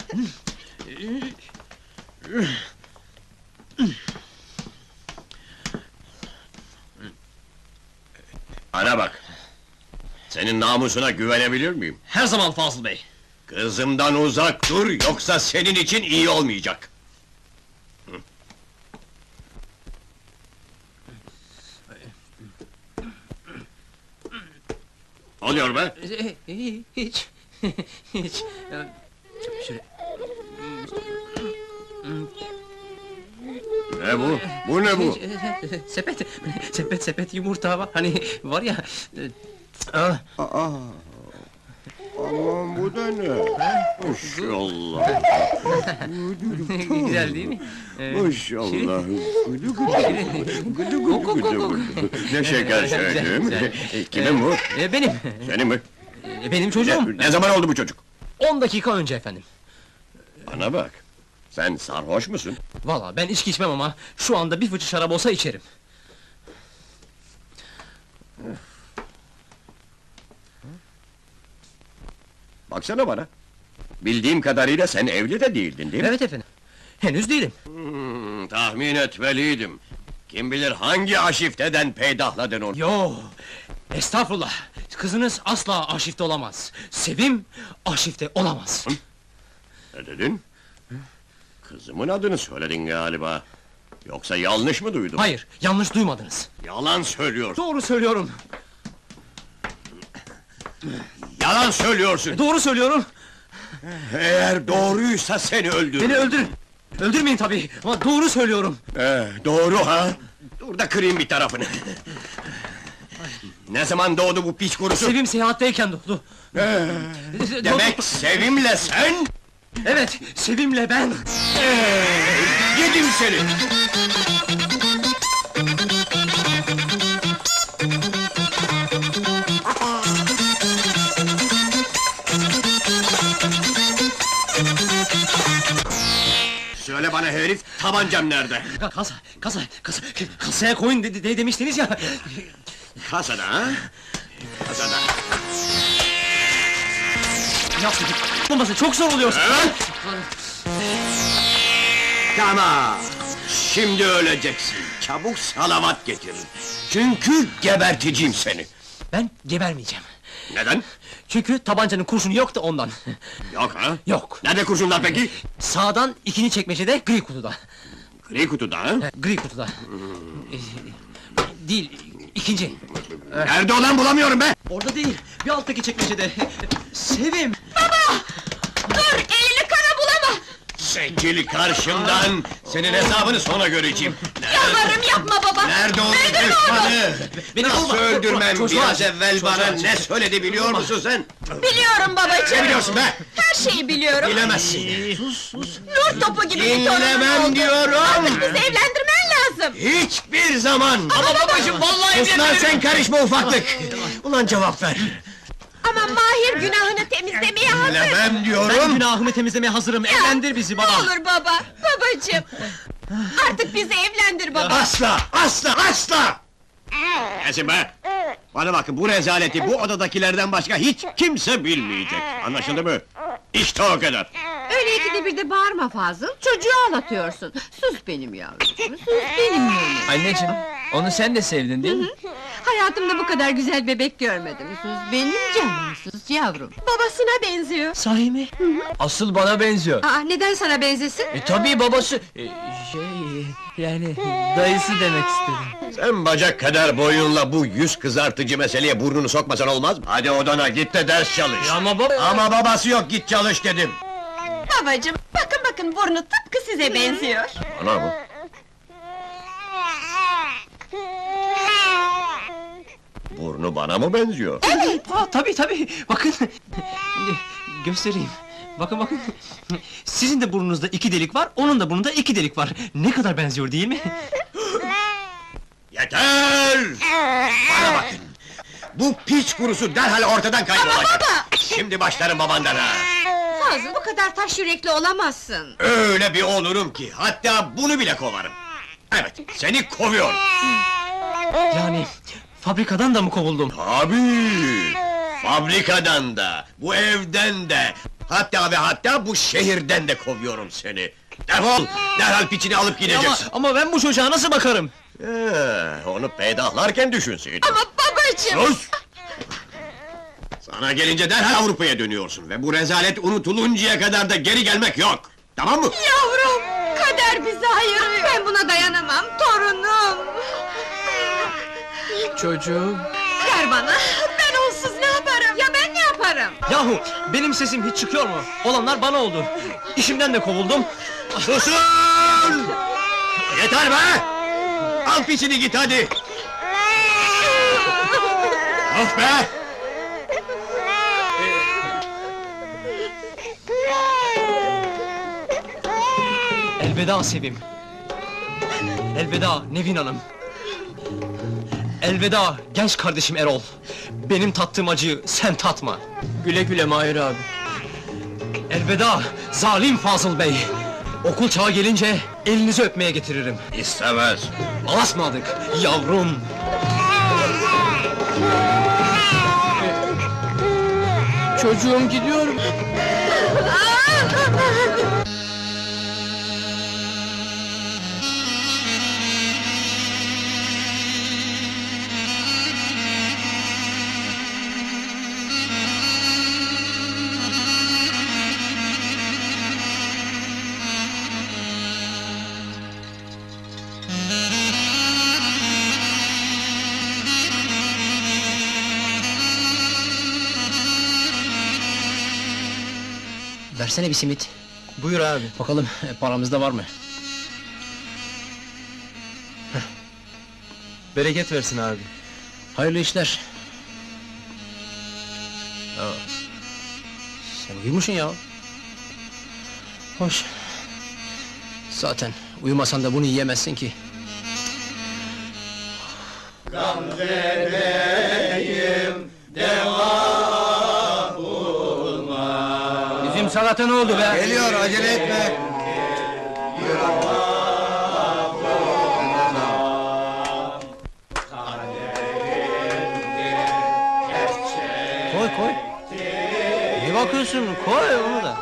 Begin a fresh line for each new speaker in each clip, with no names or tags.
Bana bak! Senin namusuna güvenebilir miyim?
Her zaman Fazıl Bey!
Kızımdan uzak dur, yoksa senin için iyi olmayacak! Ne oluyor be?
Hiç... Hiç... Şöyle...
Ne bu? Bu ne bu?
Sepet yumurta var, hani var ya...
Aman bu da ne? Maşallah!
Güzel değil mi?
Maşallah! Gıdı gıdı. Ne şeker söyledim! Kimin bu?
Benim!
Senin mi?
Benim çocuğum!
Ne zaman oldu bu çocuk?
10 dakika önce efendim!
Bana bak! Sen sarhoş musun?
Vallahi ben içki içmem ama şu anda bir fıçı şarap olsa içerim.
Baksana bana! Bildiğim kadarıyla sen evli de değildin, değil mi?
Evet efendim. Henüz değilim.
Tahmin etmeliydim. Kim bilir hangi aşifteden peydahladın onu?
Yo, estağfurullah. Kızınız asla arşivde olamaz. Sevim arşivde olamaz.
Ne dedin? Kızımın adını söyledin galiba. Yoksa yanlış mı duydum?
Hayır, yanlış duymadınız.
Yalan söylüyorsun!
Doğru söylüyorum.
Yalan söylüyorsun!
Doğru söylüyorum.
Eğer doğruysa seni öldürürüm!
Beni öldürün. Öldürmeyin tabii ama doğru söylüyorum.
Doğru ha? Dur da kırayım bir tarafını. Ne zaman doğdu bu piç kurusu?
Sevim seyahatteyken doğdu.
Demek Sevim'le sen?
Evet, Sevim'le ben.
Yedim seni! Söyle bana herif, tabancam nerede?
Kasaya koyun demiştiniz ya.
Kasada ha? Kasada.
Yapmayın, olması çok zor oluyor.
Evet! Tamam! Şimdi öleceksin, çabuk salavat getirin! Çünkü geberteceğim seni!
Ben gebermeyeceğim.
Neden?
Çünkü tabancanın kurşunu yok da ondan.
Yok ha?
Yok.
Nerede kurşunlar peki?
Sağdan ikinci çekmecede, gri kutuda.
Gri kutuda ha?
Gri kutuda. Değil, ikinci.
Nerede olan bulamıyorum be!
Orada değil, bir alttaki çekmecede. Sevim!
Dur, elini kana bulama!
Çekil karşımdan! Senin hesabını sonra göreceğim!
Yalvarırım yapma baba!
Nerede onun
Öldürme onu!
düşmanı?
Beni
Nasıl
vurma!
öldürmem?
Çocuğa
Biraz
acı,
evvel
çocuğa
bana
acı.
ne söyledi biliyor musun sen?
Biliyorum babacığım!
Ne biliyorsun be?
Her şeyi biliyorum!
Bilemezsin!
Nur topu gibi bir torunun
Dinlemem
oldu!
diyorum!
Artık bizi evlendirmen lazım!
Hiçbir zaman!
Ama babacığım, vallahi
Sus lan sen karışma ufaklık! Ulan cevap ver!
Ama Mahir günahını temizlemeye hazır!
Dinlemem
Ben
diyorum!
günahımı temizlemeye hazırım, evlendir bizi baba!
Ne olur baba, babacığım! Artık bizi evlendir baba!
Asla! Asla! Asla! Kesin be! Bana bakın, bu rezaleti bu odadakilerden başka hiç kimse bilmeyecek! Anlaşıldı mı? İşte o kadar!
Öyle ikide bir de bağırma Fazıl, çocuğu ağlatıyorsun. Sus benim yavrum, sus benim yavrum.
Anneciğim, onu sen de sevdin değil mi?
Hayatımda bu kadar güzel bebek görmedim. Sus benim canım, sus yavrum.
Babasına benziyor!
Sahi mi? Asıl bana benziyor.
Aa, neden sana benzesin?
Tabii babası... yani dayısı demek istedim.
Sen bacak kadar boyunla bu yüz kızartıcı meseleye burnunu sokmasan olmaz mı? Hadi odana, git de ders çalış!
Ama baba...
Ama babası yok, git çalış dedim!
Babacığım, bakın burnu tıpkı size benziyor!
Ana mı? Burnu bana mı benziyor?
Tabii, bakın! Göstereyim. Bakın. Sizin de burnunuzda 2 delik var, onun da burnunda 2 delik var. Ne kadar benziyor değil mi?
Yeter! Bana bakın! Bu piç kurusu derhal ortadan kaybolacak! Şimdi başlarım babandan ha!
Fazıl, bu kadar taş yürekli olamazsın.
Öyle bir olurum ki, hatta bunu bile kovarım! Evet, seni kovuyorum!
Yani... fabrikadan da mı kovuldum?
Tabii! Fabrikadan da, bu evden de, Hatta ve hatta bu şehirden de kovuyorum seni. Defol! Derhal piçini alıp gideceksin.
Ama ben bu çocuğa nasıl bakarım?
Onu peydahlarken düşünseydin.
Ama babacığım!
Sus! Sana gelince derhal Avrupa'ya dönüyorsun ve bu rezalet unutuluncaya kadar da geri gelmek yok. Tamam mı?
Yavrum! Kader bizi ayırıyor!
Ben buna dayanamam, torunum!
Çocuğum.
Ver bana!
Ben onsuz ne yaparım?
Ya ben ne yaparım?
Yahu benim sesim hiç çıkıyor mu? Olanlar bana oldu. İşimden de kovuldum.
Susun! Yeter be! Al piçini git hadi! Of be!
Elveda Sevim. Elveda Nevin Hanım. Elveda genç kardeşim Erol. Benim tattığım acıyı sen tatma. Güle güle Mahir abi. Elveda zalim Fazıl Bey. Okul çağı gelince elinizi öpmeye getiririm.
İstemez!
Alasmadık yavrum. Çocuğum gidiyor.
Versene bir simit.
Buyur abi.
Bakalım paramızda var mı?
Bereket versin abi.
Hayırlı işler. Sen uyumuşsun ya. Hoş. Zaten uyumasan da bunu yiyemezsin ki.
Bizim salata ne oldu be?
Geliyor, acele etme!
Koy koy. Ne bakıyorsun? Koy onu da.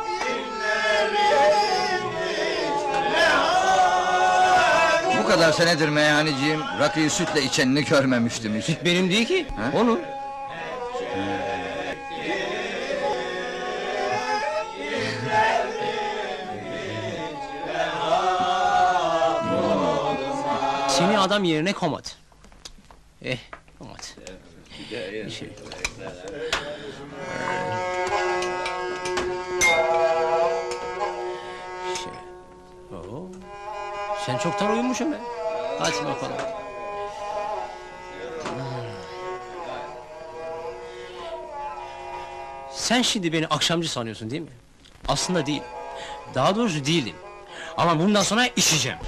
Bu kadar senedir meyhaneciyim, rakıyı sütle içenini görmemiştim hiç.
Benim değil ki.
Ha?
Onun.
Seni adam yerine komat. Komat. Şey. Oo. Sen çoktan uyumuşsun be. Hadi bakalım. Sen şimdi beni akşamcı sanıyorsun değil mi? Aslında değil. Daha doğrusu değilim. Ama bundan sonra içeceğim.